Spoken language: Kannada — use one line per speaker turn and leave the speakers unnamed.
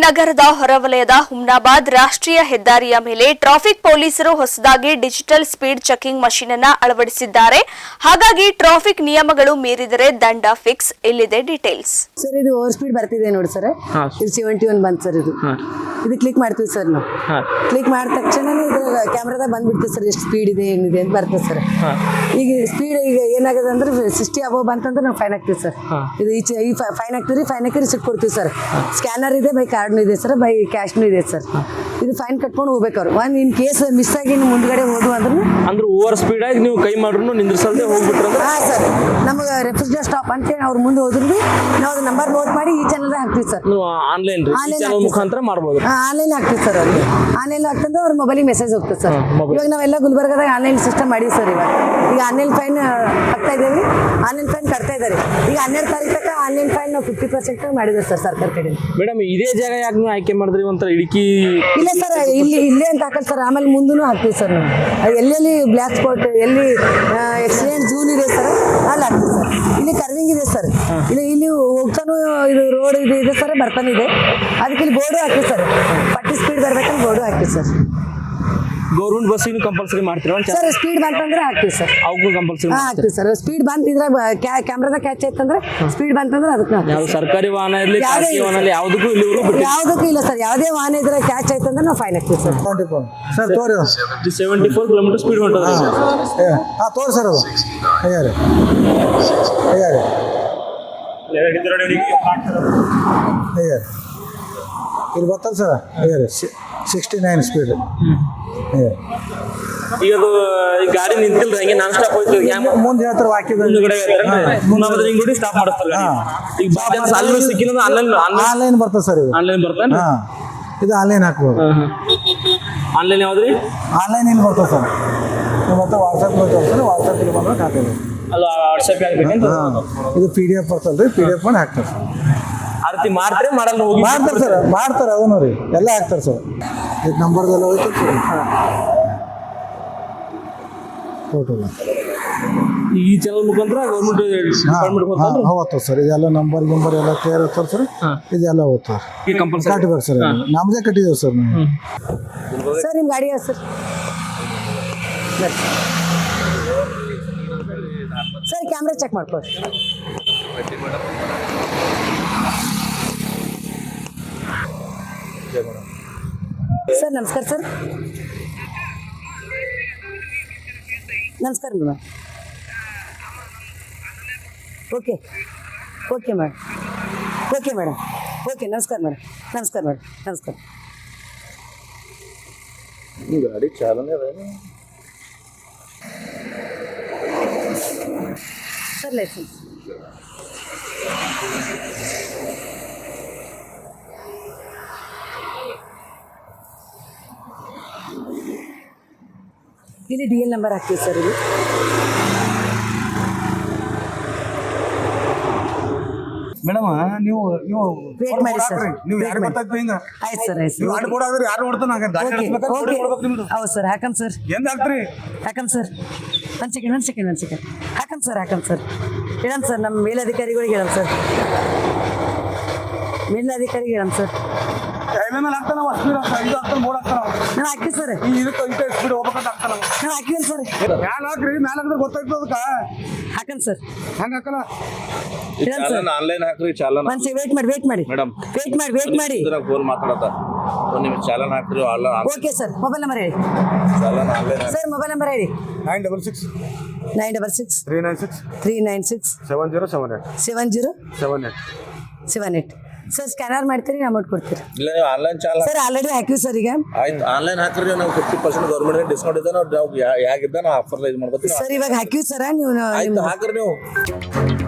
ನಗರದ ಹೊರವಲಯದ ಹುಮ್ನಾಬಾದ್ ರಾಷ್ಟ್ರೀಯ ಹೆದ್ದಾರಿಯ ಮೇಲೆ ಟ್ರಾಫಿಕ್ ಪೊಲೀಸರು ಹೊಸದಾಗಿ ಡಿಜಿಟಲ್ ಸ್ಪೀಡ್ ಚೆಕಿಂಗ್ ಮಷೀನ್ ಅನ್ನು ಅಳವಡಿಸಿದ್ದಾರೆ. ಹಾಗಾಗಿ ಟ್ರಾಫಿಕ್ ನಿಯಮಗಳು ಮೀರಿದರೆ ದಂಡ ಫಿಕ್ಸ್. ಇಲ್ಲಿದೆ ಡೀಟೇಲ್ಸ್.
ಸರ್ ಇದು ಓವರ್ ಸ್ಪೀಡ್ ಬರ್ತಿದೆ ನೋಡಿ ಸರ್. ಇದು 71 ಬಂತು ಸರ್. ಇದು ಕ್ಲಿಕ್ ಮಾಡ್ತೀವಿ ಸರ್. ನಾವು ಕ್ಲಿಕ್ ಮಾಡಿದ ತಕ್ಷಣ ಇದು ಕ್ಯಾಮ್ರಾದಾಗ ಬಂದ್ಬಿಡ್ತದೆ ಸರ್, ಎಷ್ಟು ಸ್ಪೀಡ್ ಇದೆ ಏನಿದೆ ಅಂತ ಬರ್ತದೆ ಸರ್. ಈಗ ಸ್ಪೀಡ್ ಈಗ ಏನಾಗಿದೆ ಅಂದ್ರೆ 60 ಅಬೋವ್ ಬಂತಂದ್ರೆ ನಾವು ಫೈನ್ ಹಾಕ್ತೀವಿ ಸರ್. ಇದು ಈ ಫೈನ್ ಹಾಕ್ತೀವಿ, ಫೈನ್ ಹಾಕಿ ರಿಸಿಪ್ಟ್ ಕೊಡ್ತೀವಿ ಸರ್. ಸ್ಕ್ಯಾನರ್ ಇದೆ, ಬೈ ಕಾರ್ಡ್ನು ಇದೆ ಸರ್, ಬೈ ಕ್ಯಾಶ್ನು ಇದೆ ಸರ್. ಇದು ಫೈನ್ ಕಟ್ಕೊಂಡು ಹೋಗ್ಬೇಕು ಅವ್ರು. ಒಂದು ಇನ್ ಕೇಸ್ ಮಿಸ್ ಆಗಿ ಮುಂದ್ಗಡೆ ಹೋದ್ವು ಅಂದ್ರೆ
ಓವರ್ ಸ್ಪೀಡ್ ಆಗಿ ನೀವು ಕೈ ಮಾಡ್ರು ನಿಂದ್ರಿಸಲ್ದೆ ಹೋಗ್ಬಿಟ್ರೆ
ಹಾಂ ಸರ್, ನಮಗೆ ರೆಫ್ರಿಜರೇಟರ್ ಸ್ಟಾಪ್ ಅಂತೇಳಿ ಅವ್ರು ಮುಂದೆ ಹೋದ್ರು ನಾವು ಅದು ನಂಬರ್ ನೋಟ್ ಮಾಡಿ ಈ ಚಾನಲ್ ಹಾಕ್ತೀವಿ ಸರ್.
ಆನ್ಲೈನ್ ಮುಖಾಂತರ ಮಾಡ್ಬೋದು.
ಆನ್ಲೈನ್ ಹಾಕ್ತೀವಿ ಸರ್. ಅವ್ರಿಗೆ ಆನ್ಲೈನ್ ಹಾಕ್ತಂದ್ರೆ ಅವ್ರ ಮೊಬೈಲಿಗೆ ಮೆಸೇಜ್ ಹೋಗ್ತದೆ ಸರ್. ಇವಾಗ ನಾವೆಲ್ಲ ಗುಲ್ಬರ್ಗದಾಗ ಆನ್ಲೈನ್ ಸಿಸ್ಟಮ್ ಮಾಡಿ ಸರ್. ಈಗ ಆನ್ಲೈನ್ ಫೈನ್ ಹಾಕ್ತಾ ಇದ್ದೇವೆ, ಆನ್ಲೈನ್ ಫೈನ್ ಕಟ್ತಾ ಇದ್ದಾರೆ. ಈಗ 12 ತಾರೀಕು ತನಕ ಆನ್ಲೈನ್ ಫೈನ್ ನಾವು 50% ಮಾಡಿದ್ದೇವೆ ಸರ್ ಸರ್ಕಾರ ಕಡೆ.
ಮೇಡಮ್ ಇದೇ ಜಾಗ ಯಾಕೆ ನೀವು ಆಯ್ಕೆ ಮಾಡಿದ್ರಿ? ಒಂಥರ ಇടുക്കി
ಇಲ್ಲ ಸರ್, ಇಲ್ಲೇ ಅಂತ ಹಾಕಲ್ಲ ಸರ್. ಆಮೇಲೆ ಮುಂದೂ ಹಾಕ್ತೀವಿ ಸರ್ ನಾವು. ಎಲ್ಲೆಲ್ಲಿ ಬ್ಲ್ಯಾಕ್ ಸ್ಪಾಟ್, ಎಲ್ಲಿ ಎಕ್ಸಿಡೆಂಟ್ ಝೂನ್ ಇದೆ ಸರ್, ಅಲ್ಲಿ ಹಾಕ್ತೀವಿ ಸರ್. ಇಲ್ಲಿ ಕರ್ವಿಂಗ್ ಇದೆ ಸರ್. ಇಲ್ಲಿ ಹೋಗ್ತಾನು ಇದು ರೋಡ್ ಇದೆ ಸರ್, ಬರ್ತಾನೆ ಇದೆ. ಅದಕ್ಕೆ ಇಲ್ಲಿ ಬೋರ್ಡು ಹಾಕಿ ಸರ್, 40 ಸ್ಪೀಡ್ ಬರ್ಬೇಕಂತ ಬೋರ್ಡು ಹಾಕಿ ಸರ್.
ಗೌರ್ಮೆಂಟ್ ಬಸ್ಸಿಗೆ ಕಂಪಲ್ಸರಿ ಮಾಡ್ತೀರಾ
ಸರ್? ಸ್ಪೀಡ್ ಬಂತಂದ್ರೆ ಹಾಕ್ತೀವಿ ಸರ್.
ಅವಕ್ಕೂ ಕಂಪಲ್ಸರಿ
ಹಾಕ್ತೀವಿ ಸರ್. ಸ್ಪೀಡ್ ಬಂತ ಇದ್ರಾಗ ಕ್ಯಾಮ್ರಾದಾಗ ಕ್ಯಾಚ್ ಆಯ್ತಂದ್ರೆ ಸ್ಪೀಡ್ ಬಂತಂದ್ರೆ ಅದಕ್ಕೆ
ಯಾವ ಸರ್ಕಾರಿ ವಾಹನ ಇರಲಿ ಖಾಸಗಿ ವಾಹನ ಇರಲಿ ಯಾವುದಕ್ಕೂ
ಯಾವುದಕ್ಕೂ ಇಲ್ಲ ಸರ್. ಯಾವುದೇ ವಾಹನ ಇದ್ರೆ ಕ್ಯಾಚ್ ಆಯ್ತಂದ್ರೆ ನಾವು ಫೈನ್ ಹಾಕ್ತೀವಿ ಸರ್.
ಸರ್ ತೋರಿ
74 ಕಿಲೋಮೀಟರ್ ಸ್ಪೀಡ್ ಹೊಂಟದ.
ಹಾಂ ತೋರಿ ಸರ್. ಅದು ಅಯ್ಯಾರೆ ಅಯ್ಯಾರೆ ಅಯ್ಯಾರೆ ಇಲ್ಲಿ ಬರ್ತಲ್ಲ ಸರ್. ಅಯ್ಯಾರೆ 69 ಸ್ಪೀಡ್.
ಈಗ ಅದು ಈ ಗಾಡಿ ನಿಂತಿಲ್ಲ, ಹಂಗೆ ನಾನ್ ಸ್ಟಾಪ್ ಹೋಯ್ತು.
ಮುಂದೆ ಹೇಳ್ತಾರೆ
ವಾಕ್ಯದಲ್ಲಿ ಸ್ಟಾಪ್ ಮಾಡಿಸ್ತಾರೆ. ಈಗ ಅಲ್ಲಿ ಸಿಕ್ಕಿಲ್ಲ
ಆನ್ಲೈನ್ ಬರ್ತದೆ ಸರ್. ಇದು
ಆನ್ಲೈನ್ ಬರ್ತಾನೆ.
ಹಾಂ, ಇದು ಆನ್ಲೈನ್ ಹಾಕ್ಬೋದು.
ಆನ್ಲೈನ್ ಯಾವ್ದ್ರಿ?
ಆನ್ಲೈನ್ ಇಲ್ಲಿ ಬರ್ತದೆ ಸರ್. ಮತ್ತೆ ವಾಟ್ಸಪ್ ಬರ್ತದೆ ಸರ್. ವಾಟ್ಸಪ್ ಇಲ್ಲಿ ಬಂದ್ರೆ ಹಾಕೋದು.
ಅದು ವಾಟ್ಸಪ್ ಆಗ್ಬೇಕಂತ.
ಇದು PDF ಬರ್ತದೆ ರೀ. PDF ಮಾಡಿ ಹಾಕ್ತಾರೆ ಸರ್.
ಆ ರೀತಿ ಮಾಡ್ತಾರೆ ಮಾಡಲ್ಲ ಹೋಗಿ
ಮಾಡ್ತಾರೆ ಸರ್. ಮಾಡ್ತಾರೆ ಅದನ್ನು ರೀ, ಎಲ್ಲ ಹಾಕ್ತಾರೆ ಸರ್. ಇದು ನಂಬರ್ದೆಲ್ಲ ಹೋಯ್ತು ಸರ್. ಟೋಟಲ್
ಈ ಚಾನಲ್ ಮುಖಾಂತರ ಗೌರ್ಮೆಂಟ್
ಹೋಗ್ತದೆ ಸರ್. ಇದೆಲ್ಲ ನಂಬರ್ ಗಿಂಬರ್ ಎಲ್ಲ ಕ್ಲಿಯರ್ ಇರ್ತಾರೆ ಸರ್. ಇದೆಲ್ಲ ಹೋಗ್ತಾರೆ ಕಟ್ಬೇಕು ಸರ್. ನಮ್ಮದೇ ಕಟ್ಟಿದ್ದೇವೆ ಸರ್ ನಾವು.
ಸರ್ ನಿಮ್ಮ ಗಾಡಿ ಸರ್. ಸರ್ ಕ್ಯಾಮ್ರಾ ಚೆಕ್ ಮಾಡ್ಕೊಳ್ಳಿ. ಸರ್ ನಮಸ್ಕಾರ ಸರ್. ನಮಸ್ಕಾರ madam. Okay okay madam. Okay madam. Okay ನಮಸ್ಕಾರ ಮೇಡಮ್. ನಮಸ್ಕಾರ ಮೇಡಮ್. ನಮಸ್ಕಾರ.
ಗಾಡಿ ಚಾಲನೆ
ಸರ್ ಲೈಸೆನ್ಸ್. ಇಲ್ಲಿ DL ನಂಬರ್ ಹಾಕ್ತೀವಿ ಸರ್. ಇದು
ಮೇಡಮ್ ನೀವು
ವೇಟ್ ಮಾಡಿ ಸರ್.
ನೀವು ಯಾರು ಗೊತ್ತಾಗ್ತದೆ ಹಿಂಗ?
ಆಯ್ತು ಸರ್. ಆಯ್ತು
ಯಾರು ಬೋರ್ಡ್ ಆಗಿದ್ರೆ ಯಾರು ನೋಡ್ತಾನೆ
ಹೌದು ಸರ್. ಹಾಕಮ್ ಸರ್.
ಏನು ಹಾಕ್ತೀರಿ?
ಹಾಕಮ್ ಸರ್. ಒಂದು ಸೆಕೆಂಡ್. ಹಾಕಮ್ ಸರ್. ಹೇಳಮ್ ಸರ್. ನಮ್ಮ ಮೇಲಧಿಕಾರಿಗಳಿಗೆ ಹೇಳಮ್ ಸರ್. ಸರ್
ಮೇಲೆ ಹಾಕ್ತಾನ ಸ್ಪೀಡ್ ಇದು ಹಾಕ್ತಾನೆ ಬೋರ್ಡ್ ಹಾಕ್ತಾನ.
ನಾನು ಹಾಕಿ ಸರ್.
ಇದಕ್ಕೆ ಸ್ಪೀಡ್ ಹೋಗ್ಬೇಕಂತ ಹಾಕ್ತಾನ.
ನಾನು ಹಾಕಿಲ್ಲ ಸರ್.
ಮ್ಯಾಲೆ ಹಾಕ್ರಿ, ಮ್ಯಾಲೆ ಹಾಕಿದ್ರೆ ಗೊತ್ತಾಗ್ತದೆ ಅದಕ್ಕೆ.
ಹಾಕಮ್ ಸರ್.
ಹಂಗೆ ಹಾಕಲ್ಲ.
ಆನ್ಲೈನ್ ಹಾಕ್ರಿ. ಚಾಲನ್
ಒಂದು ವೇಟ್ ಮಾಡಿ
ಮೇಡಮ್.
ವೇಟ್ ಮಾಡಿ
ಫೋನ್ ಮಾತಾಡತ್ತ. ಒಂದು ನಿಮಿಷ ಚಾಲನ್ ಹಾಕ್ರಿ.
Okay sir. ಮೊಬೈಲ್ ನಂಬರ್ ಹೇಳಿ
challan online
sir. Mobile number ಹೇಳಿ
966 396
396
7078
ಸರ್. ಸ್ಕ್ಯಾನರ್ ಮಾಡ್ತೀರಿ, ಅಮೌಂಟ್ ಕೊಡ್ತೀರಿ?
ಇಲ್ಲ, ನೀವು ಆನ್ಲೈನ್ ಚಾಲನ್
ಸರ್ ಆಲ್ರೆಡಿ ಹಾಕಿವಿ ಸರ್. ಈಗ
ಆಯ್ತು, ಆನ್ಲೈನ್ ಹಾಕ್ರಿ. ನಾವು 50% ಗೌರ್ಮೆಂಟ್ ಡಿಸ್ಕೌಂಟ್ ಇದೆ. ನಾವು ಹೇಗಿದ್ದ ನಾವು ಆಫರ್ ಇದು ಮಾಡ್ಬೋದು
ಸರ್. ಇವಾಗ ಹಾಕಿವಿ ಸರ್. ನೀವು
ಆಯ್ತು ಹಾಕ್ರಿ ನೀವು.